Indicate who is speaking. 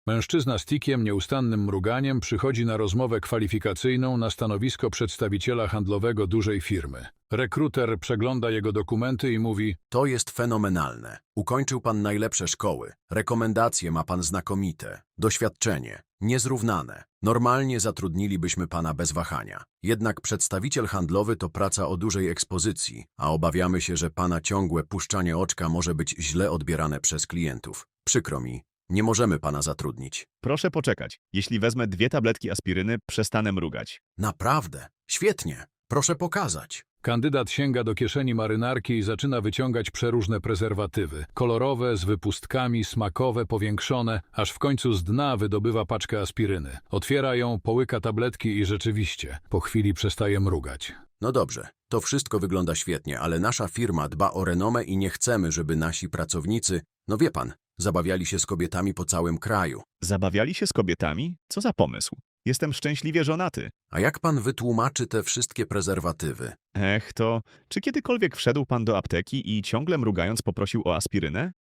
Speaker 1: Mężczyzna z tikiem, nieustannym mruganiem przychodzi na rozmowę kwalifikacyjną na stanowisko przedstawiciela handlowego dużej firmy. Rekruter przegląda jego dokumenty i mówi:
Speaker 2: To jest fenomenalne. Ukończył pan najlepsze szkoły. Rekomendacje ma pan znakomite. Doświadczenie. Niezrównane. Normalnie zatrudnilibyśmy pana bez wahania. Jednak przedstawiciel handlowy to praca o dużej ekspozycji, a obawiamy się, że pana ciągłe puszczanie oczka może być źle odbierane przez klientów. Przykro mi, nie możemy pana zatrudnić.
Speaker 3: Proszę poczekać. Jeśli wezmę 2 tabletki aspiryny, przestanę mrugać.
Speaker 2: Naprawdę? Świetnie. Proszę pokazać.
Speaker 1: Kandydat sięga do kieszeni marynarki i zaczyna wyciągać przeróżne prezerwatywy. Kolorowe, z wypustkami, smakowe, powiększone, aż w końcu z dna wydobywa paczkę aspiryny. Otwiera ją, połyka tabletki i rzeczywiście, po chwili przestaje mrugać.
Speaker 2: No dobrze, to wszystko wygląda świetnie, ale nasza firma dba o renomę i nie chcemy, żeby nasi pracownicy, no wie pan, zabawiali się z kobietami po całym kraju.
Speaker 3: Zabawiali się z kobietami? Co za pomysł? Jestem szczęśliwie żonaty.
Speaker 2: A jak pan wytłumaczy te wszystkie prezerwatywy?
Speaker 3: To czy kiedykolwiek wszedł pan do apteki i ciągle mrugając poprosił o aspirynę?